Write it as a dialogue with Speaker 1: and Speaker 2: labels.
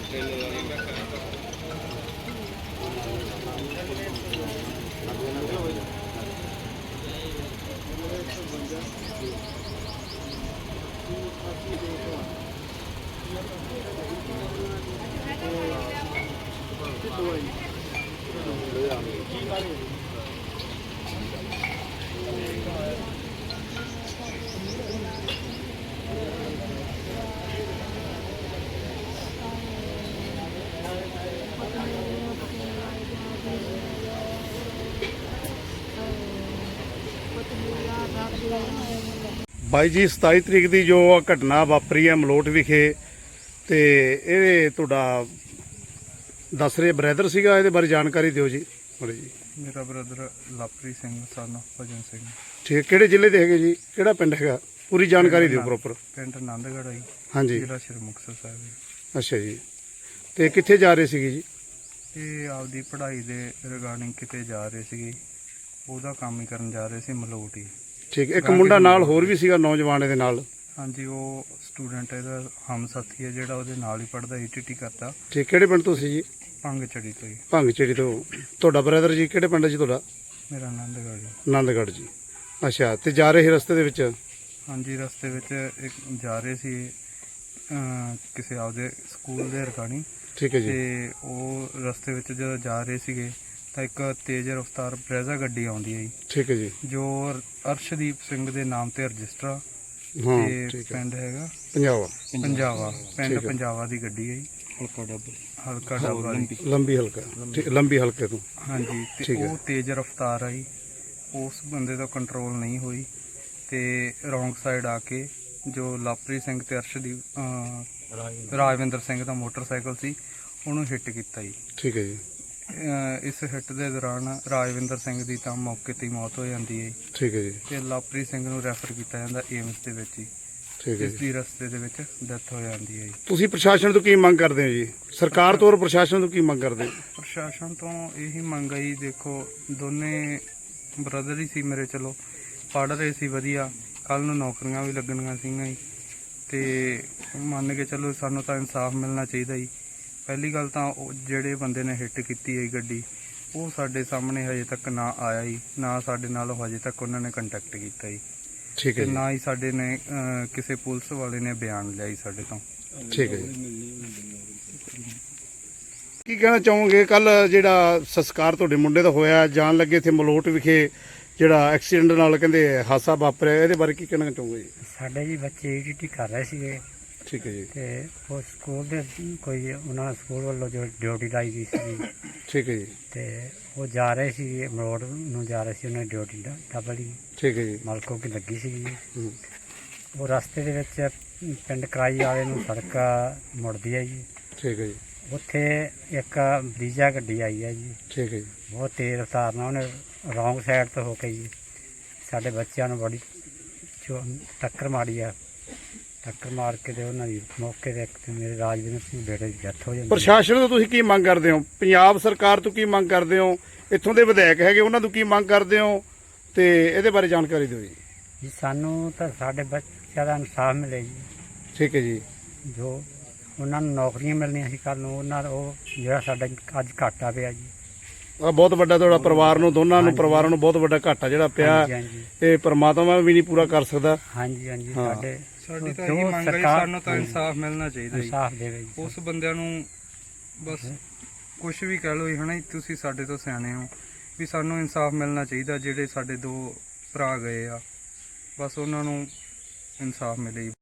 Speaker 1: ਬਾਈ ਜੀ 27 ਤਰੀਕ ਦੀ ਜੋ ਘਟਨਾ ਵਾਪਰੀ ਹੈ ਮਲੋਟ ਵਿਖੇ ਤੇ ਇਹ ਤੁਹਾਡਾ ਦੱਸ ਰਹੇ ਬ੍ਰਦਰ ਸੀਗਾ, ਇਹਦੇ ਬਾਰੇ ਜਾਣਕਾਰੀ ਦਿਓ ਜੀ ਥੋੜੀ ਜੀ।
Speaker 2: ਮੇਰਾ ਬ੍ਰਦਰ ਲਾਪਰੀ ਸਿੰਘ ਸਨ ਭਜਨ ਸਿੰਘ।
Speaker 1: ਠੀਕ, ਕਿਹੜੇ ਜ਼ਿਲ੍ਹੇ ਦੇ ਹੈਗੇ ਜੀ, ਕਿਹੜਾ ਪਿੰਡ ਹੈਗਾ, ਪੂਰੀ ਜਾਣਕਾਰੀ ਦਿਓ ਪ੍ਰੋਪਰ।
Speaker 2: ਪਿੰਡ ਆਨੰਦਗੜ੍ਹ ਹੈ
Speaker 1: ਹਾਂਜੀ,
Speaker 2: ਜ਼ਿਲ੍ਹਾ ਸ਼੍ਰੀ ਮੁਕਤਸਰ ਸਾਹਿਬ।
Speaker 1: ਅੱਛਾ ਜੀ, ਤੇ ਕਿੱਥੇ ਜਾ ਰਹੇ ਸੀਗੇ ਜੀ?
Speaker 2: ਇਹ ਆਪਦੀ ਪੜ੍ਹਾਈ ਦੇ ਰਿਗਾਰਡਿੰਗ ਕਿਤੇ ਜਾ ਰਹੇ ਸੀਗੇ, ਉਹਦਾ ਕੰਮ ਹੀ ਕਰਨ ਜਾ ਰਹੇ ਸੀ ਮਲੋਟ ਹੀ।
Speaker 1: ਠੀਕ, ਇੱਕ ਮੁੰਡਾ ਨਾਲ ਹੋਰ ਵੀ ਸੀਗਾ ਨੌਜਵਾਨ ਇਹਦੇ ਨਾਲ?
Speaker 2: ਹਾਂਜੀ, ਉਹ ਸਟੂਡੈਂਟ ਇਹਦਾ ਹਮ ਸਾਥੀ ਹੈ ਜਿਹੜਾ ਉਹਦੇ ਨਾਲ ਹੀ ਪੜ੍ਹਦਾ ਈਟੀਟੀ ਕਰਦਾ।
Speaker 1: ਠੀਕ, ਕਿਹੜੇ ਪਿੰਡ ਤੋਂ ਸੀ ਜੀ?
Speaker 2: ਭੰਗ ਚੜੀ ਤੋਂ ਹੀ।
Speaker 1: ਭੰਗ ਚੜੀ ਤੋਂ। ਤੁਹਾਡਾ ਬ੍ਰਦਰ ਜੀ ਕਿਹੜੇ ਪਿੰਡ ਜੀ ਤੁਹਾਡਾ?
Speaker 2: ਮੇਰਾ ਆਨੰਦਗੜ੍ਹ ਜੀ।
Speaker 1: ਆਨੰਦਗੜ੍ਹ ਜੀ, ਅੱਛਾ। ਤੇ ਜਾ ਰਹੇ ਸੀ ਰਸਤੇ ਦੇ ਵਿੱਚ?
Speaker 2: ਹਾਂਜੀ, ਰਸਤੇ ਵਿੱਚ ਇੱਕ ਜਾ ਰਹੇ ਸੀ ਕਿਸੇ ਆਪਦੇ ਸਕੂਲ ਦੇ ਰਿਗਾਰਡਿੰਗ।
Speaker 1: ਠੀਕ ਹੈ ਜੀ।
Speaker 2: ਤੇ ਉਹ ਰਸਤੇ ਵਿੱਚ ਜਦੋਂ ਜਾ ਰਹੇ ਸੀਗੇ ਤਾਂ ਇੱਕ ਤੇਜ਼ ਰਫ਼ਤਾਰ ਬਰੈਜ਼ਾ ਗੱਡੀ ਆਉਂਦੀ ਹੈ ਜੀ। ਠੀਕ ਹੈ ਜੀ। ਜੋ ਅਰਸ਼ਦੀਪ ਸਿੰਘ ਦੇ ਨਾਮ ਤੇ ਰਜਿਸਟਰ ਤੇ ਪਿੰਡ ਹੈਗਾ ਪੰਜਾਵਾ ਪਿੰਡ ਪੰਜਾਵਾ ਦੀ ਗੱਡੀ ਹੈ ਜੀ। ਹਲਕਾ ਡੱਬਾ ਲੰਬੀ ਹਲਕੇ ਤੋਂ। ਹਾਂਜੀ, ਤੇ ਉਹ ਤੇਜ਼ ਰਫ਼ਤਾਰ ਆਈ, ਉਸ ਬੰਦੇ ਦਾ ਕੰਟਰੋਲ ਨਹੀਂ ਹੋਈ ਤੇ ਰੌਂਗ ਸਾਈਡ ਆ ਕੇ ਜੋ ਲਾਪਰੀ ਸਿੰਘ ਤੇ ਅਰਸ਼ਦੀਪ ਰਾਜਵਿੰਦਰ ਸਿੰਘ ਦਾ ਮੋਟਰਸਾਈਕਲ ਸੀ ਉਹਨੂੰ ਹਿੱਟ ਕੀਤਾ ਜੀ। ਠੀਕ ਹੈ ਜੀ। ਇਸ ਹਿੱਟ ਦੇ ਦੌਰਾਨ ਰਾਜਵਿੰਦਰ ਸਿੰਘ ਦੀ ਤਾਂ ਮੌਕੇ ਤੇ ਹੀ ਮੌਤ ਹੋ ਜਾਂਦੀ ਹੈ। ਠੀਕ ਹੈ ਜੀ। ਤੇ ਲਾਪਰੀ ਸਿੰਘ ਨੂੰ ਰੈਫਰ ਕੀਤਾ ਜਾਂਦਾ ਏਮਸ ਦੇ ਵਿੱਚ ਹੀ। ਠੀਕ ਹੈ। ਇਸ ਦੀ ਰਸਤੇ ਦੇ ਵਿੱਚ ਡੈਥ ਹੋ ਜਾਂਦੀ ਹੈ ਜੀ। ਤੁਸੀਂ ਪ੍ਰਸ਼ਾਸਨ ਤੋਂ ਕੀ ਮੰਗ ਕਰਦੇ ਹੋ ਜੀ? ਸਰਕਾਰ ਤੋਂ ਔਰ ਪ੍ਰਸ਼ਾਸਨ ਤੋਂ ਕੀ ਮੰਗ ਕਰਦੇ ਹੋ? ਪ੍ਰਸ਼ਾਸਨ ਤੋਂ ਇਹੀ ਮੰਗ ਹੈ ਜੀ, ਦੇਖੋ ਦੋਨੇ ਬ੍ਰਦਰ ਹੀ ਸੀ ਮੇਰੇ, ਚਲੋ ਪੜ੍ਹ ਰਹੇ ਸੀ ਵਧੀਆ, ਕੱਲ ਨੂੰ ਨੌਕਰੀਆਂ ਵੀ ਲੱਗਣੀਆਂ ਸੀਗੀਆਂ ਜੀ। ਤੇ ਮੰਨ ਕੇ ਚਲੋ ਸਾਨੂੰ ਤਾਂ ਇਨਸਾਫ ਮਿਲਣਾ ਚਾਹੀਦਾ ਜੀ। ਪਹਿਲੀ ਗੱਲ ਤਾਂ ਉਹ ਜਿਹੜੇ ਬੰਦੇ ਨੇ ਹਿੱਟ ਕੀਤੀ ਹੈ ਗੱਡੀ, ਉਹ ਸਾਡੇ ਸਾਹਮਣੇ ਹਜੇ ਤੱਕ ਨਾ ਆਇਆ ਜੀ, ਨਾ ਸਾਡੇ ਨਾਲ ਹਜੇ ਤੱਕ ਉਹਨਾਂ ਨੇ ਕੰਟੈਕਟ ਕੀਤਾ ਜੀ। ਠੀਕ ਹੈ। ਤੇ ਨਾ ਹੀ ਸਾਡੇ ਨੇ ਕਿਸੇ ਪੁਲਿਸ ਵਾਲੇ ਨੇ ਬਿਆਨ ਲਿਆ ਜੀ ਸਾਡੇ ਤੋਂ। ਠੀਕ ਹੈ ਜੀ। ਕੀ ਕਹਿਣਾ ਚਾਹੋਗੇ, ਕੱਲ ਜਿਹੜਾ ਸੰਸਕਾਰ ਤੁਹਾਡੇ ਮੁੰਡੇ ਦਾ ਹੋਇਆ, ਜਾਣ ਲੱਗੇ ਇੱਥੇ ਮਲੋਟ ਵਿਖੇ ਜਿਹੜਾ ਐਕਸੀਡੈਂਟ ਨਾਲ ਕਹਿੰਦੇ ਹਾਦਸਾ ਵਾਪਰਿਆ, ਇਹਦੇ ਬਾਰੇ ਕੀ ਕਹਿਣਾ ਚਾਹੋਗੇ ਜੀ?
Speaker 3: ਸਾਡੇ ਜੀ ਬੱਚੇ ਈਟੀਟੀ ਕਰ ਰਹੇ ਸੀਗੇ।
Speaker 1: ਠੀਕ ਹੈ ਜੀ। ਤੇ
Speaker 3: ਉਹ ਸਕੂਲ ਦੇ ਕੋਈ ਉਹਨਾਂ ਸਕੂਲ ਵੱਲੋਂ ਜੋ ਡਿਊਟੀ ਲਾਈ ਗਈ ਸੀ।
Speaker 1: ਠੀਕ ਹੈ ਜੀ। ਤੇ
Speaker 3: ਉਹ ਜਾ ਰਹੇ ਸੀ ਮਲੋਟ ਨੂੰ ਜਾ ਰਹੇ ਸੀ, ਉਹਨਾਂ ਦੀ ਡਿਊਟੀ ਡਬਲ ਹੀ। ਠੀਕ ਹੈ ਜੀ। ਮਲਕੋ ਕੀ ਲੱਗੀ ਸੀ। ਉਹ ਰਸਤੇ ਦੇ ਵਿੱਚ ਪਿੰਡ ਕਰਾਈ ਵਾਲੇ ਨੂੰ ਸੜਕ ਮੁੜਦੀ ਹੈ ਜੀ। ਠੀਕ ਹੈ ਜੀ। ਉੱਥੇ ਇੱਕ ਬਰੀਜਾ ਗੱਡੀ ਆਈ ਹੈ ਜੀ। ਠੀਕ ਹੈ ਜੀ। ਬਹੁਤ ਤੇਜ਼ ਰਫ਼ਤਾਰ ਨਾਲ ਉਹਨੇ ਰੌਂਗ ਸਾਈਡ ਤੋਂ ਹੋ ਕੇ ਜੀ ਸਾਡੇ ਬੱਚਿਆਂ ਨੂੰ ਬੜੀ ਟੱਕਰ ਮਾਰੀ ਆ। ਟੱਕਰ ਮਾਰ ਕੇ ਤੇ ਉਹਨਾਂ ਦੀ ਮੌਕੇ ਤੇ ਇੱਕ ਮੇਰੇ ਰਾਜਵਿੰਦਰ ਸਿੰਘ ਬੇਟੇ ਦੀ ਡੈਥ ਹੋ ਜਾਂਦੀ।
Speaker 1: ਪ੍ਰਸ਼ਾਸਨ ਤੋਂ ਤੁਸੀਂ ਕੀ ਮੰਗ ਕਰਦੇ ਹੋ? ਪੰਜਾਬ ਸਰਕਾਰ ਤੋਂ ਕੀ ਮੰਗ ਕਰਦੇ ਹੋ? ਇੱਥੋਂ ਦੇ ਵਿਧਾਇਕ ਹੈਗੇ ਉਹਨਾਂ ਤੋਂ ਕੀ ਮੰਗ ਕਰਦੇ ਹੋ? ਤੇ ਇਹਦੇ ਬਾਰੇ ਜਾਣਕਾਰੀ ਦਿਓ ਜੀ।
Speaker 3: ਸਾਨੂੰ ਤਾਂ ਸਾਡੇ ਬੱਚਿਆਂ ਦਾ ਇਨਸਾਫ ਮਿਲੇ ਜੀ। ਠੀਕ ਹੈ ਜੀ। ਜੋ ਉਹਨਾਂ ਨੂੰ ਨੌਕਰੀਆਂ ਮਿਲਣੀਆਂ ਸੀ ਕੱਲ ਨੂੰ, ਉਹਨਾਂ ਦਾ ਉਹ ਜਿਹੜਾ ਸਾਡਾ ਅੱਜ ਘਾਟਾ ਪਿਆ ਜੀ,
Speaker 1: ਆ ਬਹੁਤ ਵੱਡਾ ਤੁਹਾਡਾ ਪਰਿਵਾਰ ਨੂੰ, ਦੋਨਾਂ ਨੂੰ ਪਰਿਵਾਰਾਂ ਨੂੰ ਬਹੁਤ ਵੱਡਾ ਘਾਟਾ ਜਿਹੜਾ ਪਿਆ, ਇਹ ਪਰਮਾਤਮਾ ਵੀ ਨਹੀਂ ਪੂਰਾ ਕਰ ਸਕਦਾ।
Speaker 3: ਹਾਂਜੀ ਹਾਂਜੀ।
Speaker 2: ਸਾਡੀ ਤਾਂ ਇਹੀ ਮੰਗ ਹੈ, ਸਾਨੂੰ ਤਾਂ ਇਨਸਾਫ ਮਿਲਣਾ ਚਾਹੀਦਾ ਜੀ।
Speaker 3: ਇਨਸਾਫ ਦੇਵੇ ਜੀ
Speaker 2: ਉਸ ਬੰਦਿਆਂ ਨੂੰ। ਬਸ ਕੁਛ ਵੀ ਕਹਿ ਲਓ ਜੀ, ਹਨਾ, ਤੁਸੀਂ ਸਾਡੇ ਤੋਂ ਸਿਆਣੇ ਹੋ, ਵੀ ਸਾਨੂੰ ਇਨਸਾਫ ਮਿਲਣਾ ਚਾਹੀਦਾ। ਜਿਹੜੇ ਸਾਡੇ ਦੋ ਭਰਾ ਗਏ ਆ, ਬਸ ਉਹਨਾਂ ਨੂੰ ਇਨਸਾਫ ਮਿਲੇ ਜੀ।